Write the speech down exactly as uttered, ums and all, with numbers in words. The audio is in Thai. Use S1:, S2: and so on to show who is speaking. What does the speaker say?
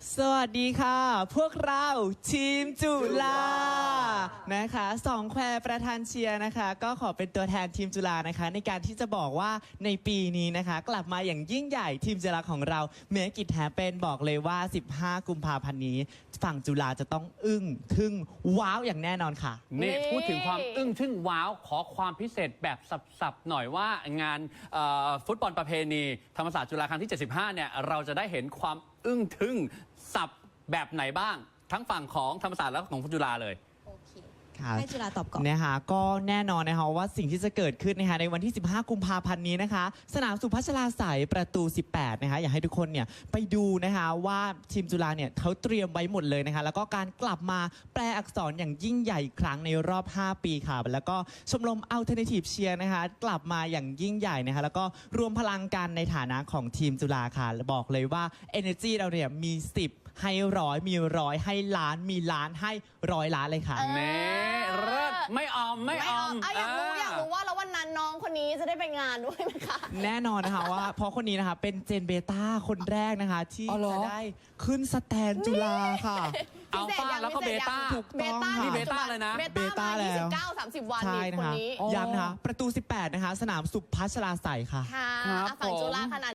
S1: สวัสดีค่ะ พวกเราทีมจุฬานะคะสองแควประธานเชียร์นะคะ ก็ขอเป็นตัวแทนทีมจุฬานะคะในการที่จะบอกว่าในปีนี้นะคะ กลับมาอย่างยิ่งใหญ่ทีมจุฬาของเราเมกิจแฮปเป็นบอกเลยว่าสิบห้ากุมภาพันธ์นี้ฝั่งจุฬาจะต้องอึ้งทึ่งว้าวอย่างแน่นอนค่ะ
S2: นี่พูดถึงความอึ้งทึ่งว้าวขอความพิเศษแบบสับๆหน่อยว่างานฟุตบอลประเพณีธรรมศาสตร์จุฬาครั้งที่เจ็ดสิบห้าเนี่ยเราจะได้เห็นความอึ้งทึ่งสับแบบไหนบ้างทั้งฝั่งของธรรมศาสตร์และของจุฬาเลย
S3: โอเคให้จุฬาตอบก่อน
S1: นะคะก็แน่นอนนะคะว่าสิ่งที่จะเกิดขึ้นนะคะในวันที่สิบห้ากุมภาพันธ์นี้นะคะสนามสุพัชราไสยประตูสิบแปดนะคะอยากให้ทุกคนเนี่ยไปดูนะคะว่าทีมจุฬาเนี่ยเขาเตรียมไว้หมดเลยนะคะแล้วก็การกลับมาแปลอักษรอย่างยิ่งใหญ่อีกครั้งในรอบห้าปีค่ะแล้วก็ชมรม Alternative Cheer นะคะกลับมาอย่างยิ่งใหญ่นะคะแล้วก็รวมพลังกันในฐานะของทีมจุฬาค่ะบอกเลยว่า Energy เราเนี่ยมีสิบให้ร้อยมีร้อยให้ล้านมีล้านให้ร้อยล้านเลยค่ะ
S2: เน่เลิศไม่ออมไม่ออม
S3: อยากรู้อยากรู้ว่าแล้ววันนั้นน้องคนนี้จะได้ไปงานด้วยไหมคะ
S1: แน่นอนนะคะว่าเพราะคนนี้นะคะเป็นเจนเบต้าคนแรกนะคะที่จะได้ขึ้นสแตนจุฬาค่ะ
S2: อัลฟาแล้วก็เบต้า
S1: ถูกต้องค่ะ
S2: นี่เบต้าเลยนะ
S3: เบต้าแล้วยี่สิบเก้า สามสิบวันนี่คนนี้
S1: ย้ำนะคะประตูสิบแปดนะคะสนามสุพัชราไสยค่ะ
S3: ค่ะฝั่งจุฬาขนาด